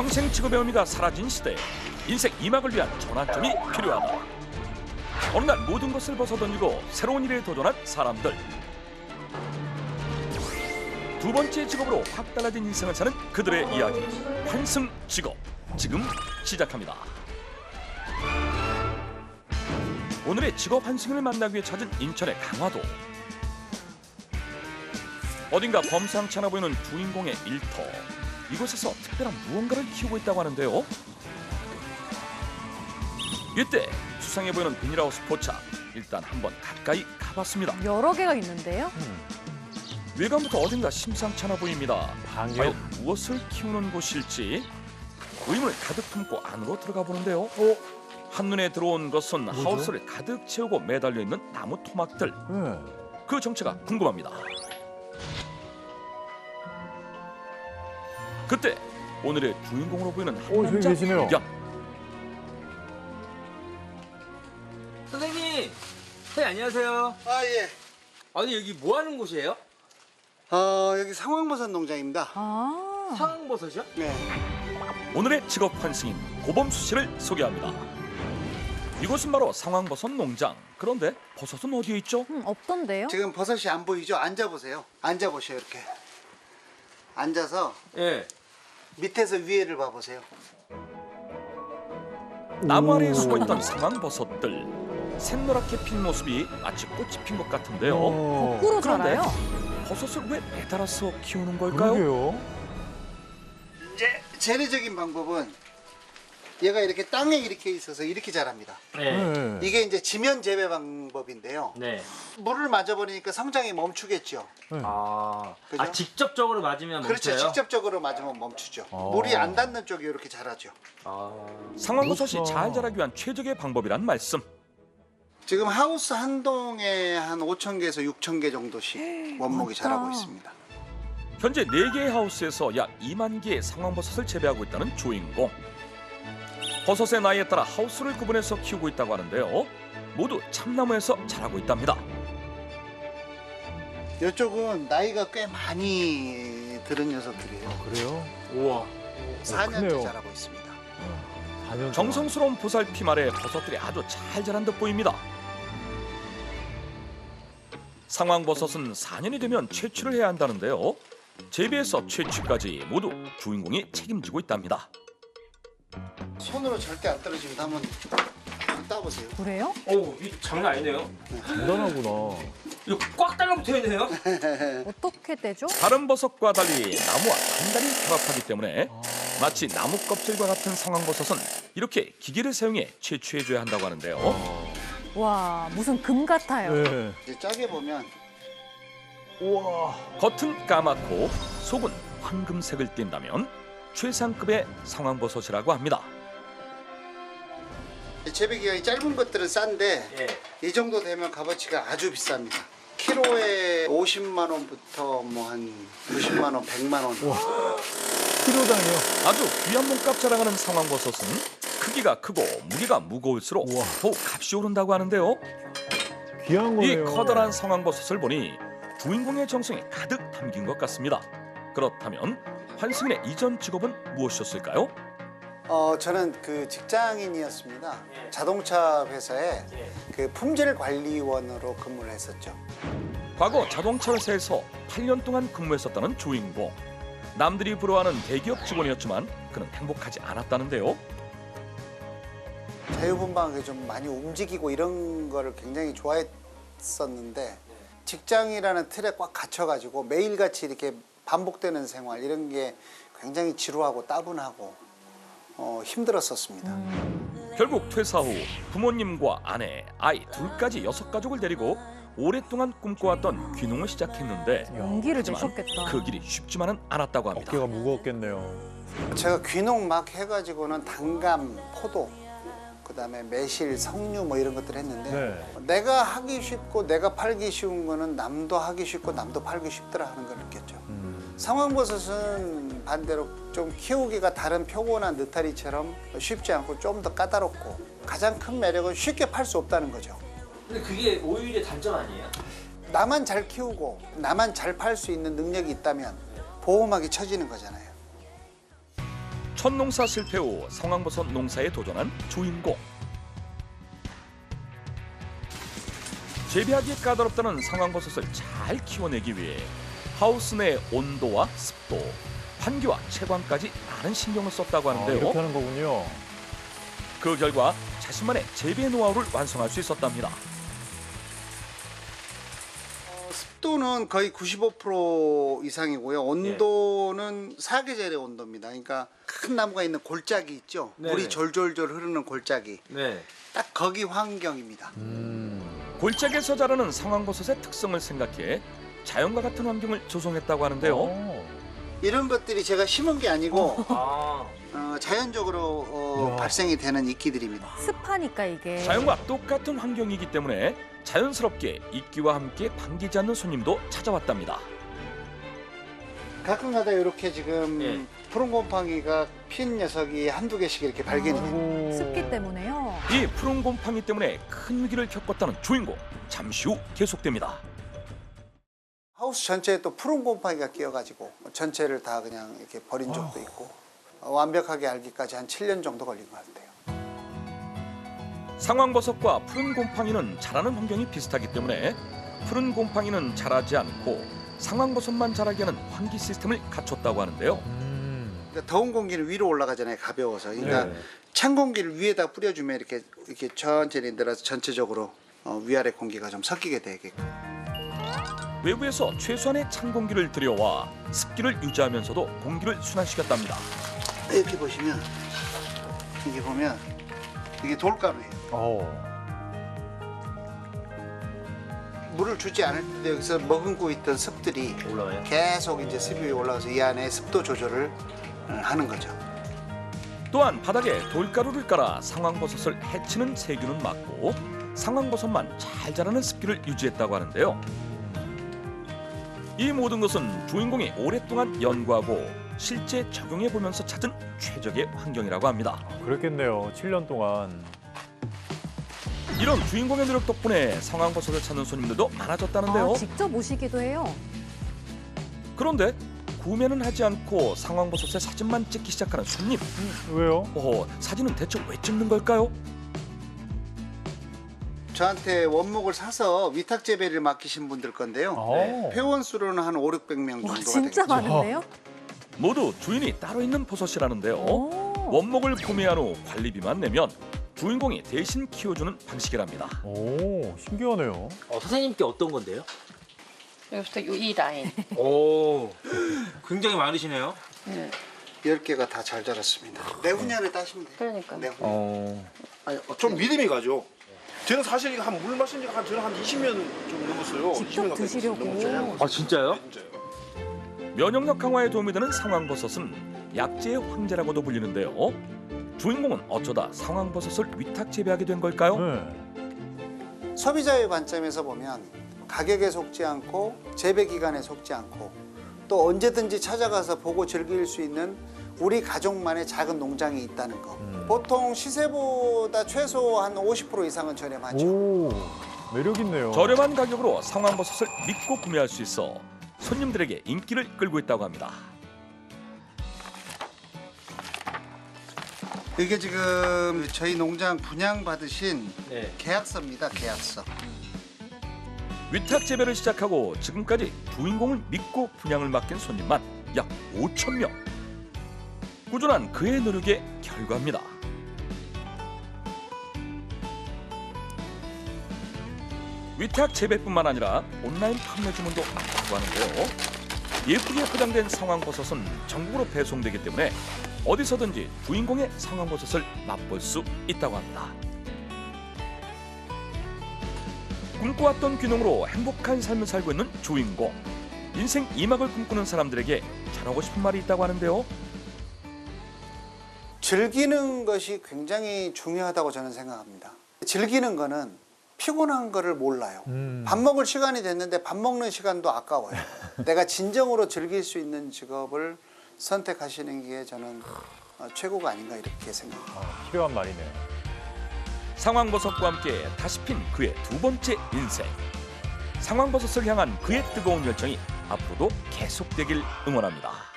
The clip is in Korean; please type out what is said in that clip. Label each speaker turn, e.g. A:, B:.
A: 평생 직업의 의미가 사라진 시대에 인생 2막을 위한 전환점이 필요하다. 어느 날 모든 것을 벗어던지고 새로운 일에 도전한 사람들. 두 번째 직업으로 확 달라진 인생을 사는 그들의 이야기. 환승 직업. 지금 시작합니다. 오늘의 직업 환승을 만나기 위해 찾은 인천의 강화도. 어딘가 범상치 않아 보이는 주인공의 일터. 이곳에서 특별한 무언가를 키우고 있다고 하는데요. 이때 수상해 보이는 비닐하우스 포착. 일단 한번 가까이 가봤습니다.
B: 여러 개가 있는데요.
A: 외관부터 어딘가 심상치 않아 보입니다.
C: 방요?
A: 과연 무엇을 키우는 곳일지 의문을 가득 품고 안으로 들어가 보는데요. 한눈에 들어온 것은
C: 뭐죠?
A: 하우스를 가득 채우고 매달려 있는 나무 토막들.
C: 네.
A: 그 정체가 궁금합니다. 그때 오늘의 주인공으로 보이는 한
C: 저기
A: 남자
C: 계시네요.
A: 발견.
D: 선생님! 선생님 안녕하세요.
E: 아, 예.
D: 아니 여기 뭐 하는 곳이에요?
E: 여기 상황버섯 농장입니다.
B: 아,
D: 상황버섯이요?
E: 네.
A: 오늘의 직업 환승인 고범수 씨를 소개합니다. 이곳은 바로 상황버섯 농장. 그런데 버섯은 어디에 있죠?
B: 없던데요?
E: 지금 버섯이 안 보이죠? 앉아보세요. 앉아보세요, 이렇게. 앉아서
D: 예.
E: 밑에서 위에를 봐보세요.
A: 나무 아래에 숨어있던 상황버섯들. 샛노랗게 핀 모습이 마치 꽃이 핀 것 같은데요.
B: 거꾸로
A: 그런데
B: 자라요?
A: 버섯을 왜 매달아서 키우는 걸까요?
C: 그러게요.
E: 이제 재래적인 방법은 얘가 이렇게 땅에 이렇게 있어서 이렇게 자랍니다.
C: 네.
E: 이게 이제 지면 재배 방법인데요.
D: 네.
E: 물을 맞아버리니까 성장이 멈추겠죠. 그죠?
D: 직접적으로 맞으면
E: 그렇죠.
D: 멈춰요?
E: 직접적으로 맞으면 멈추죠.
C: 아.
E: 물이 안 닿는 쪽이 이렇게 자라죠.
A: 상황버섯이
C: 그렇죠.
A: 잘 자라기 위한 최적의 방법이란 말씀.
E: 지금 하우스 한 동에 한 5,000개에서 6,000개 정도씩 원목이
B: 많다.
E: 자라고 있습니다.
A: 현재 4개의 하우스에서 약 2만 개의 상황버섯을 재배하고 있다는 주인공. 버섯의 나이에 따라 하우스를 구분해서 키우고 있다고 하는데요. 모두 참나무에서 자라고 있답니다.
E: 이쪽은 나이가 꽤 많이 들은 녀석들이에요.
C: 그래요?
D: 우와.
E: 4년째
C: 크네요.
E: 자라고 있습니다.
C: 4년
A: 정성스러운 보살핌 아래 버섯들이 아주 잘 자란 듯 보입니다. 상황버섯은 4년이 되면 채취를 해야 한다는데요. 재배에서 채취까지 모두 주인공이 책임지고 있답니다.
E: 손으로 절대 안 떨어집니다. 한번 따보세요.
B: 그래요?
D: 오, 이 장난 아니네요.
C: 대단하구나.
D: 이거 꽉 달라붙어 있네요.
B: 어떻게 떼죠?
A: 다른 버섯과 달리 나무와 단단히 결합하기 때문에 마치 나무 껍질과 같은 상황버섯은 이렇게 기계를 사용해 채취해줘야 한다고 하는데요.
B: 와, 무슨 금 같아요.
C: 네.
E: 이제 짜게 보면
C: 우와.
A: 겉은 까맣고 속은 황금색을 띈다면 최상급의 상황버섯이라고 합니다.
E: 재배 기간이 짧은 것들은 싼데
D: 예.
E: 이 정도 되면 값어치가 아주 비쌉니다. 키로에 50만 원부터 뭐 한 90만 원, 100만 원.
C: 키로당이요.
A: 아주 귀한 몸값 자랑하는 상황버섯은 크기가 크고 무게가 무거울수록
C: 우와.
A: 더욱 값이 오른다고 하는데요.
C: 귀한
A: 이
C: 거네요.
A: 커다란 상황버섯을 보니 주인공의 정성이 가득 담긴 것 같습니다. 그렇다면 환승인의 이전 직업은 무엇이었을까요?
E: 저는 그 직장인이었습니다. 자동차 회사에 그 품질 관리원으로 근무를 했었죠.
A: 과거 자동차 회사에서 8년 동안 근무했었다는 주인공. 남들이 부러워하는 대기업 직원이었지만 그는 행복하지 않았다는데요.
E: 자유분방하게 좀 많이 움직이고 이런 거를 굉장히 좋아했었는데 직장이라는 틀에 꽉 갇혀가지고 매일같이 이렇게 반복되는 생활 이런 게 굉장히 지루하고 따분하고 힘들었었습니다.
A: 결국 퇴사 후 부모님과 아내, 아이 둘까지 6가족을 데리고 오랫동안 꿈꿔왔던 귀농을 시작했는데
B: 용기를
A: 하지만
B: 내셨겠다.
A: 그 길이 쉽지만은 않았다고 합니다.
C: 어깨가 무거웠겠네요.
E: 제가 귀농 막 해가지고는 단감, 포도, 그다음에 매실, 석류 뭐 이런 것들 했는데
C: 네.
E: 내가 하기 쉽고 내가 팔기 쉬운 거는 남도 하기 쉽고 남도 팔기 쉽더라 하는 걸 느꼈죠. 상황버섯은 반대로 좀 키우기가 다른 표고나 느타리처럼 쉽지 않고 좀 더 까다롭고 가장 큰 매력은 쉽게 팔 수 없다는 거죠.
D: 근데 그게 오히려 단점 아니에요?
E: 나만 잘 키우고 나만 잘 팔 수 있는 능력이 있다면 보호막이 쳐지는 거잖아요.
A: 첫 농사 실패 후 상황버섯 농사에 도전한 주인공. 재배하기 까다롭다는 상황버섯을 잘 키워내기 위해 하우스 내 온도와 습도, 환기와 채광까지 많은 신경을 썼다고
C: 아,
A: 하는데요.
C: 이렇게 하는 거군요.
A: 그 결과 자신만의 재배 노하우를 완성할 수 있었답니다.
E: 습도는 거의 95% 이상이고요. 온도는 사계절의 온도입니다. 그러니까 큰 나무가 있는 골짜기 있죠.
D: 네네.
E: 물이 졸졸졸 흐르는 골짜기.
D: 네.
E: 딱 거기 환경입니다.
A: 골짜기에서 자라는 상황버섯의 특성을 생각해 자연과 같은 환경을 조성했다고 하는데요.
C: 오.
E: 이런 것들이 제가 심은 게 아니고
D: 아.
E: 자연적으로
C: 이야.
E: 발생이 되는 이끼들입니다.
B: 습하니까 이게.
A: 자연과 똑같은 환경이기 때문에 자연스럽게 이끼와 함께 반기지 않는 손님도 찾아왔답니다.
E: 가끔가다 이렇게 지금
D: 예.
E: 푸른 곰팡이가 핀 녀석이 한두 개씩 이렇게 발견이 됩니다.
C: 아이고.
B: 습기 때문에요.
A: 이 푸른 곰팡이 때문에 큰 위기를 겪었다는 주인공. 잠시 후 계속됩니다.
E: 하우스 전체에 또 푸른 곰팡이가 끼어가지고 전체를 다 그냥 이렇게 버린 적도 있고 완벽하게 알기까지 한 7년 정도 걸린 것 같아요.
A: 상황버섯과 푸른 곰팡이는 자라는 환경이 비슷하기 때문에 푸른 곰팡이는 자라지 않고 상황버섯만 자라게 하는 환기 시스템을 갖췄다고 하는데요.
E: 그러니까 더운 공기는 위로 올라가잖아요. 가벼워서. 그러니까
C: 네.
E: 찬 공기를 위에다 뿌려주면 이렇게 천천히 늘어서 전체적으로 위아래 공기가 좀 섞이게 되게끔.
A: 외부에서 최소한의 찬 공기를 들여와 습기를 유지하면서도 공기를 순환시켰답니다.
E: 이렇게 보시면 이게 보면 이게 돌가루예요. 물을 주지 않을 때 여기서 머금고 있던 습들이
D: 올라와요?
E: 계속 이제 습이 위에 올라가서 이 안에 습도 조절을 하는 거죠.
A: 또한 바닥에 돌가루를 깔아 상황버섯을 해치는 세균은 막고 상황버섯만 잘 자라는 습기를 유지했다고 하는데요. 이 모든 것은 주인공이 오랫동안 연구하고 실제 적용해보면서 찾은 최적의 환경이라고 합니다.
C: 그랬겠네요. 7년 동안.
A: 이런 주인공의 노력 덕분에 상황버섯을 찾는 손님들도 많아졌다는데요.
B: 아, 직접 오시기도 해요.
A: 그런데 구매는 하지 않고 상황버섯의 사진만 찍기 시작하는 손님.
C: 왜요?
A: 사진은 대체 왜 찍는 걸까요?
E: 저한테 원목을 사서 위탁 재배를 맡기신 분들 건데요.
C: 아.
E: 회원 수로는 한 500~600명
B: 와,
E: 정도가
B: 진짜
E: 되겠죠.
B: 많은데요?
A: 모두 주인이 따로 있는 버섯이라는데요.
B: 오.
A: 원목을 구매한 후 관리비만 내면 주인공이 대신 키워주는 방식이랍니다.
C: 오, 신기하네요.
D: 선생님께 어떤 건데요?
F: 여기부터 이 라인.
D: 오. 굉장히 많으시네요.
F: 네.
E: 10개가 다 잘 자랐습니다. 내후년에 따시면 돼요.
F: 그러니까.
E: 내후년.
G: 좀 믿음이 가죠. 저는 사실 이거 물 마신 지가 저는 한 20년 좀 넘었어요.
B: 직접
G: 20년 가까이
B: 드시려고.
G: 넘었어요.
D: 아 진짜요?
G: 진짜요.
A: 면역력 강화에 도움이 되는 상황버섯은 약재의 황제라고도 불리는데요. 주인공은 어쩌다 상황버섯을 위탁 재배하게 된 걸까요?
C: 네.
E: 소비자의 관점에서 보면 가격에 속지 않고 재배 기간에 속지 않고 또 언제든지 찾아가서 보고 즐길 수 있는 우리 가족만의 작은 농장이 있다는 거. 보통 시세보다 최소 한 50% 이상은 저렴하죠.
C: 오, 매력 있네요.
A: 저렴한 가격으로 상황버섯을 믿고 구매할 수 있어 손님들에게 인기를 끌고 있다고 합니다.
E: 이게 지금 저희 농장 분양받으신
D: 네.
E: 계약서입니다. 계약서.
A: 위탁 재배를 시작하고 지금까지 주인공을 믿고 분양을 맡긴 손님만 약 5,000명. 꾸준한 그의 노력의 결과입니다. 위탁 재배뿐만 아니라 온라인 판매 주문도 많다고 하는데요. 예쁘게 포장된 상황버섯은 전국으로 배송되기 때문에 어디서든지 주인공의 상황버섯을 맛볼 수 있다고 합니다. 꿈꿔왔던 귀농으로 행복한 삶을 살고 있는 주인공. 인생 2막을 꿈꾸는 사람들에게 전하고 싶은 말이 있다고 하는데요.
E: 즐기는 것이 굉장히 중요하다고 저는 생각합니다. 즐기는 거는 피곤한 거를 몰라요. 밥 먹을 시간이 됐는데 밥 먹는 시간도 아까워요. 내가 진정으로 즐길 수 있는 직업을 선택하시는 게 저는 최고가 아닌가 이렇게 생각합니다.
C: 필요한 말이네요.
A: 상황버섯과 함께 다시 핀 그의 두 번째 인생. 상황버섯을 향한 그의 뜨거운 열정이 앞으로도 계속되길 응원합니다.